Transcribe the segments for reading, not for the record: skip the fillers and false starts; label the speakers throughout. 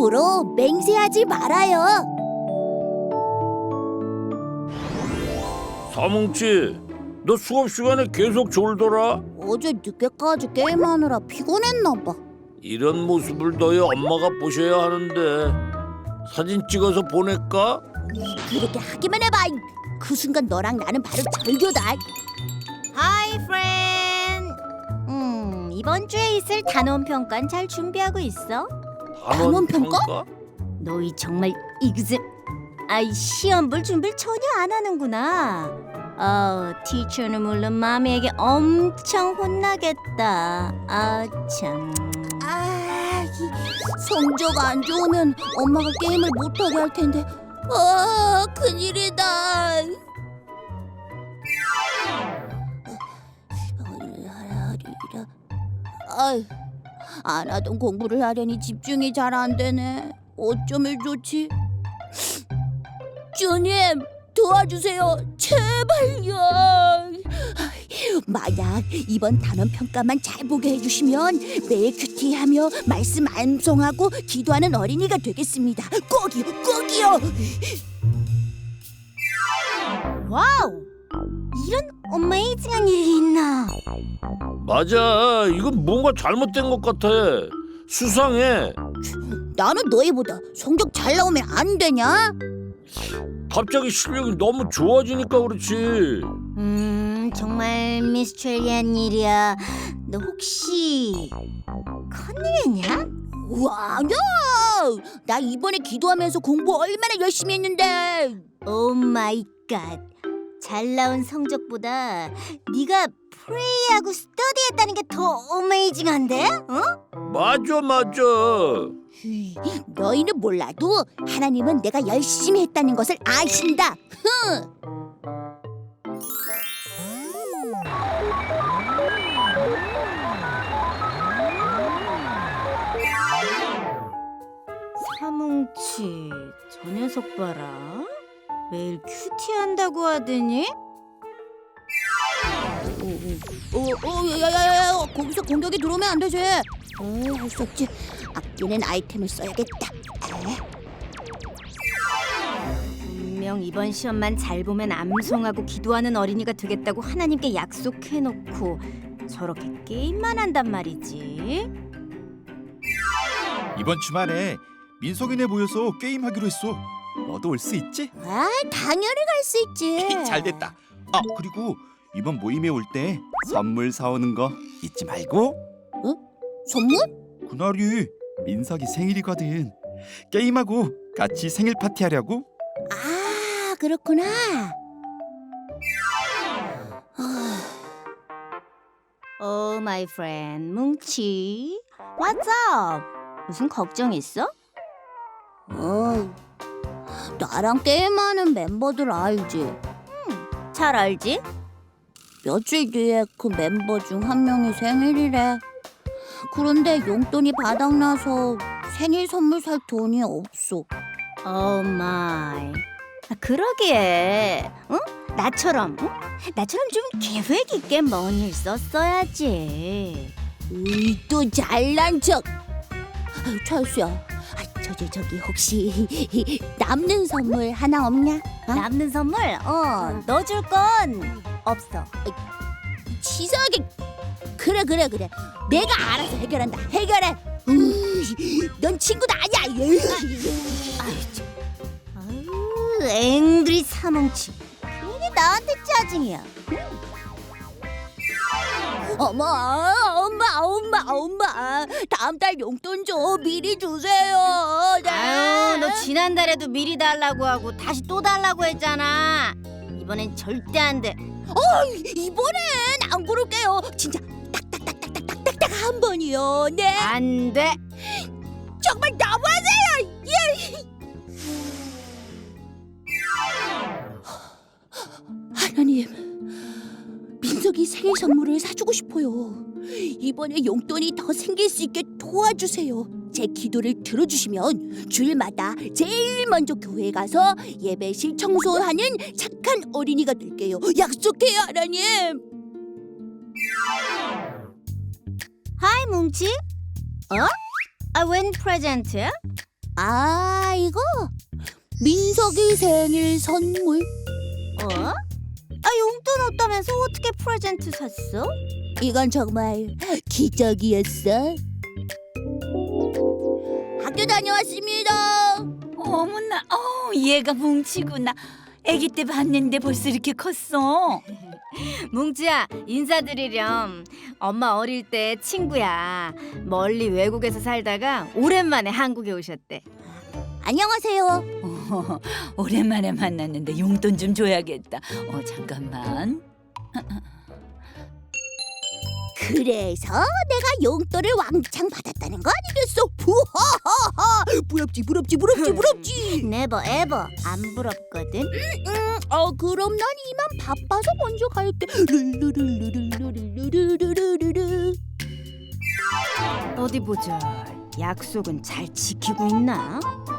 Speaker 1: 앞으로 맹세하지 말아요.
Speaker 2: 사뭉치, 너 수업 시간에 계속 졸더라?
Speaker 1: 어제 늦게까지 게임하느라 피곤했나 봐.
Speaker 2: 이런 모습을 너희 엄마가 보셔야 하는데 사진 찍어서 보낼까?
Speaker 1: 그렇게 하기만 해봐. 그 순간 너랑 나는 바로 절교다.
Speaker 3: Hi, friend. 이번 주에 있을 단원 평가는 잘 준비하고 있어?
Speaker 1: 단원 평가?
Speaker 3: 너희 정말 이그즘 시험 볼 준비를 전혀 안 하는구나. 티처는 물론 마미에게 엄청 혼나겠다. 참.
Speaker 1: 성적 안 좋으면 엄마가 게임을 못하게 할 텐데. 큰일이다. 안 하던 공부를 하려니 집중이 잘 안 되네. 어쩌면 좋지? 주님, 도와주세요. 제발요. 만약 이번 단원 평가만 잘 보게 해주시면 매일 큐티하며 말씀 암송하고 기도하는 어린이가 되겠습니다. 꼭이요, 꼭이요.
Speaker 3: 와우! 이런 어메이징한 일이 있나?
Speaker 2: 맞아, 이건 뭔가 잘못된 것 같아. 수상해.
Speaker 1: 나는 너희보다 성적 잘 나오면 안 되냐?
Speaker 2: 갑자기 실력이 너무 좋아지니까 그렇지.
Speaker 3: 정말 미스테리한 일이야. 너 혹시 컨닝했냐?
Speaker 1: 와, 아니야. 나 이번에 기도하면서 공부 얼마나 열심히 했는데.
Speaker 3: 오 마이 갓. 잘 나온 성적보다 네가 프레이하고 스터디했다는 게 더 어메이징한데?
Speaker 2: 맞아.
Speaker 1: 너희는 몰라도 하나님은 내가 열심히 했다는 것을 아신다.
Speaker 3: 사뭉치, 저 녀석 봐라. 매일 큐티한다고 하더니
Speaker 1: 야야야야, 거기서 공격이 들어오면 안 되지. 할 수 없지. 아끼는 아이템을 써야겠다.
Speaker 3: 분명 이번 시험만 잘 보면 암송하고 기도하는 어린이가 되겠다고 하나님께 약속해놓고 저렇게 게임만 한단 말이지.
Speaker 4: 이번 주말에 민석이네 모여서 게임하기로 했어. 너도 올 수 있지?
Speaker 1: 당연히 갈 수 있지.
Speaker 4: 잘 됐다. 그리고 이번 모임에 올 때 선물 사오는 거 잊지 말고.
Speaker 1: 선물?
Speaker 4: 그날이 민석이 생일이거든. 게임하고 같이 생일 파티하려고.
Speaker 1: 그렇구나.
Speaker 3: Oh my friend, 뭉치. What's up? 무슨 걱정 있어?
Speaker 1: 나랑 게임하는 멤버들 알지?
Speaker 3: 잘 알지?
Speaker 1: 며칠 뒤에 그 멤버 중 한 명이 생일이래. 그런데 용돈이 바닥나서 생일 선물 살 돈이 없어.
Speaker 3: Oh my. 그러기에, 나처럼 좀 계획 있게 뭔 일 썼어야지.
Speaker 1: 또 잘난 척. 철수야, 저기 혹시 남는 선물 하나 없냐?
Speaker 3: 남는 선물? 너 줄 건 없어.
Speaker 1: 치사하게. 그래. 내가 알아서 해결한다. 해결해. 넌 친구도 아니야.
Speaker 3: 아유, 앵그리 사뭉치. 괜히 나한테 짜증이야.
Speaker 1: 엄마. 다음 달 용돈 좀 미리 주세요. 네.
Speaker 3: 아유, 너 지난달에도 미리 달라고 하고 다시 또 달라고 했잖아. 이번엔 절대 안 돼.
Speaker 1: 이번엔 안 그럴게요. 진짜 딱딱딱딱딱딱딱 한 번이요. 네.
Speaker 3: 안 돼.
Speaker 1: 정말 너무하세요. 하나님, 민석이 생일 선물을 사주고 싶어요. 이번에 용돈이 더 생길 수 있게 도와주세요. 제 기도를 들어주시면 주일마다 제일 먼저 교회에 가서 예배실 청소하는 착한 어린이가 될게요. 약속해요, 하나님.
Speaker 3: 하이 뭉치. 웬 프레젠트야?
Speaker 1: 아, 이거 민석이 생일 선물.
Speaker 3: 용돈 없다면서 어떻게 프레젠트 샀어?
Speaker 1: 이건 정말 기적이었어. 학교 다녀왔습니다.
Speaker 5: 어머나, 얘가 뭉치구나. 아기 때 봤는데 벌써 이렇게 컸어.
Speaker 3: 뭉치야, 인사드리렴. 엄마 어릴 때 친구야. 멀리 외국에서 살다가 오랜만에 한국에 오셨대.
Speaker 1: 안녕하세요.
Speaker 5: 오랜만에 만났는데 용돈 좀 줘야겠다. 잠깐만.
Speaker 1: 그래서 내가 용돈을 왕창 받았다는 거 아니겠어? 부하하하. 부럽지.
Speaker 3: 네버 에버 안 부럽거든.
Speaker 1: 그럼 난 이만 바빠서 먼저 갈게. 르르르르르르르르르르르.
Speaker 3: 어디 보자. 약속은 잘 지키고 있나?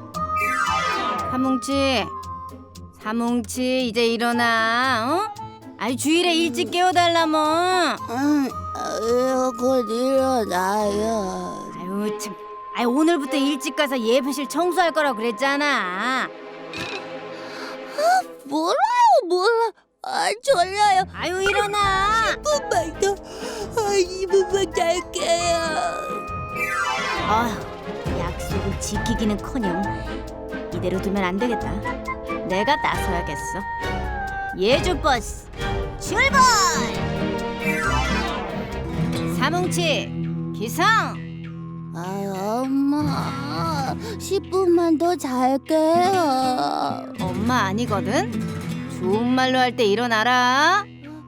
Speaker 3: 사뭉치 이제 일어나. 아니 주일에 일찍 깨워달라며.
Speaker 1: 곧 일어나요.
Speaker 3: 아유 참. 오늘부터 일찍 가서 예배실 청소할 거라고 그랬잖아.
Speaker 1: 몰라. 졸려요.
Speaker 3: 아유 일어나.
Speaker 1: 10분만 더. 2분만 잘게요.
Speaker 3: 약속을 지키기는커녕 이대로 두면 안 되겠다. 내가 나서야겠어. 예주버스 출발! 사뭉치 기상!
Speaker 1: 엄마, 10분만 더 잘게요.
Speaker 3: 엄마 아니거든. 좋은 말로 할 때 일어나라.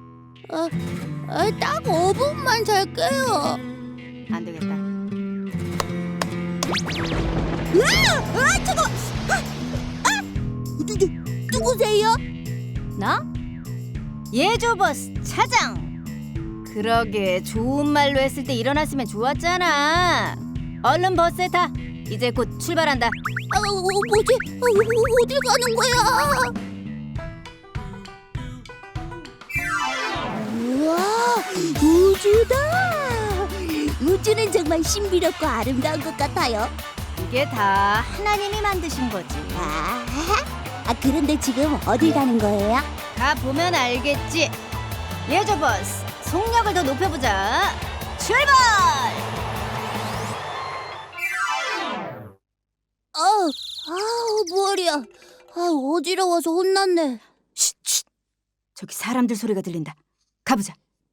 Speaker 1: 딱 5분만 잘게요.
Speaker 3: 안 되겠다.
Speaker 1: 저거! 누구세요?
Speaker 3: 나? 예조버스 차장. 그러게 좋은 말로 했을 때 일어났으면 좋았잖아. 얼른 버스에 타. 이제 곧 출발한다.
Speaker 1: 뭐지? 어딜 가는 거야? 우와, 우주다. 우주는 정말 신비롭고 아름다운 것 같아요.
Speaker 3: 이게 다 하나님이 만드신 거지.
Speaker 1: 그런데 지금 어딜 가는 거예요?
Speaker 3: 가 보면 알겠지. 예조버스 속력을 더 높여보자. 출발!
Speaker 1: 머리야. 어지러워서 혼났네.
Speaker 3: 쉿. 저기 사람들 소리가 들린다. 가보자.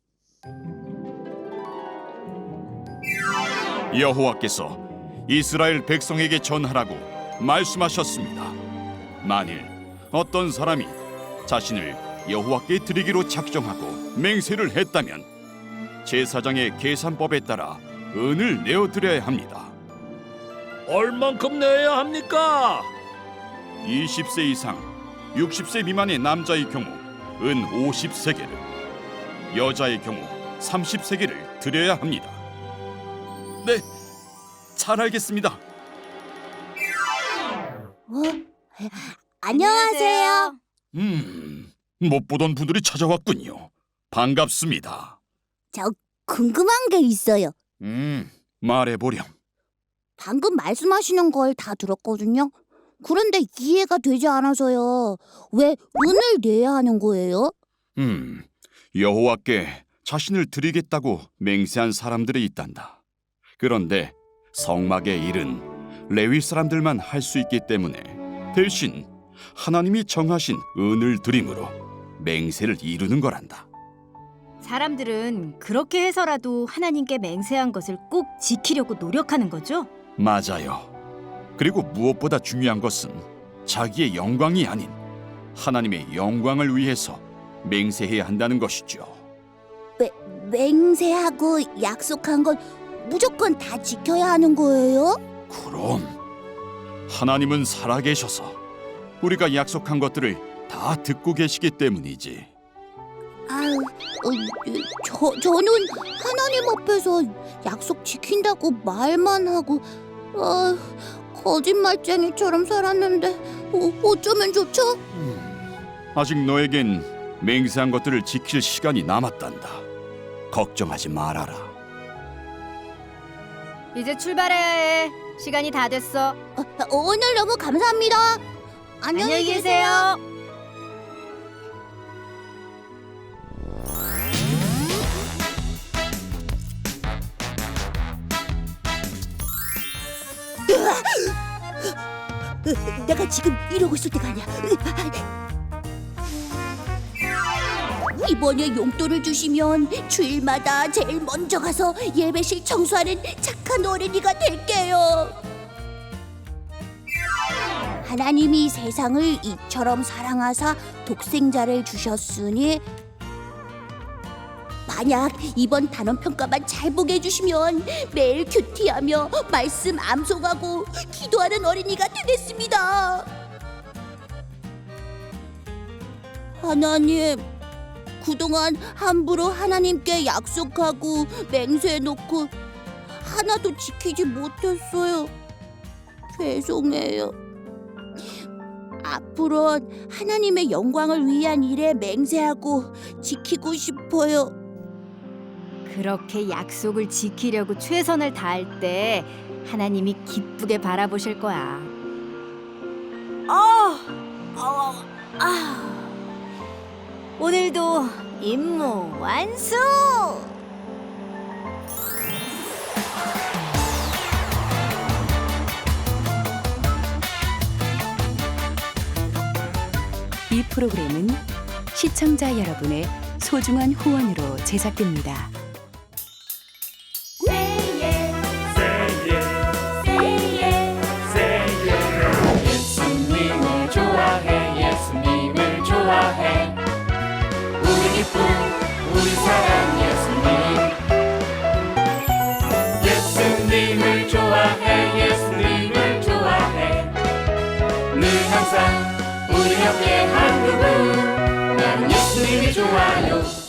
Speaker 4: 여호와께서 이스라엘 백성에게 전하라고 말씀하셨습니다. 만일 어떤 사람이 자신을 여호와께 드리기로 작정하고 맹세를 했다면 제사장의 계산법에 따라 은을 내어드려야 합니다.
Speaker 2: 얼만큼 내야 합니까?
Speaker 4: 20세 이상 60세 미만의 남자의 경우 은 50세겔을, 여자의 경우 30세겔을 드려야 합니다. 네, 잘 알겠습니다.
Speaker 1: 안녕하세요.
Speaker 4: 못 보던 분들이 찾아왔군요. 반갑습니다.
Speaker 1: 저 궁금한 게 있어요.
Speaker 4: 말해보렴.
Speaker 1: 방금 말씀하시는 걸 다 들었거든요. 그런데 이해가 되지 않아서요. 왜 은을 내야 하는 거예요?
Speaker 4: 여호와께 자신을 드리겠다고 맹세한 사람들이 있단다. 그런데 성막의 일은 레위 사람들만 할 수 있기 때문에 대신 하나님이 정하신 은을 드림으로 맹세를 이루는 거란다.
Speaker 3: 사람들은 그렇게 해서라도 하나님께 맹세한 것을 꼭 지키려고 노력하는 거죠?
Speaker 4: 맞아요. 그리고 무엇보다 중요한 것은 자기의 영광이 아닌 하나님의 영광을 위해서 맹세해야 한다는 것이죠.
Speaker 1: 맹세하고 약속한 건 무조건 다 지켜야 하는 거예요?
Speaker 4: 그럼 하나님은 살아계셔서 우리가 약속한 것들을 다 듣고 계시기 때문이지.
Speaker 1: 저는 하나님 앞에서 약속 지킨다고 말만 하고 거짓말쟁이처럼 살았는데 어쩌면 좋죠?
Speaker 4: 아직 너에겐 맹세한 것들을 지킬 시간이 남았단다. 걱정하지 말아라.
Speaker 3: 이제 출발해야 해. 시간이 다 됐어.
Speaker 1: 오늘 너무 감사합니다.
Speaker 3: 안녕히 계세요.
Speaker 1: 내가 지금 이러고 있을 때가 아니야. 이번에 용돈을 주시면 주일마다 제일 먼저 가서 예배실 청소하는 착한 어린이가 될게요. 하나님이 세상을 이처럼 사랑하사 독생자를 주셨으니 만약 이번 단원 평가만 잘 보게 해주시면 매일 큐티하며 말씀 암송하고 기도하는 어린이가 되겠습니다. 하나님, 그동안 함부로 하나님께 약속하고 맹세해놓고 하나도 지키지 못했어요. 죄송해요. 앞으로는 하나님의 영광을 위한 일에 맹세하고 지키고 싶어요.
Speaker 3: 그렇게 약속을 지키려고 최선을 다할 때 하나님이 기쁘게 바라보실 거야. 오늘도 임무 완수!
Speaker 6: 이 프로그램은 시청자 여러분의 소중한 후원으로 제작됩니다.
Speaker 7: 예수님을 좋아해 예수님을 좋아해 우리 기쁨 우리 사랑 예수님 예수님을 좋아해 예수님을 좋아해 늘 항상 우리 옆에 한 그분 나는 예수님이 좋아요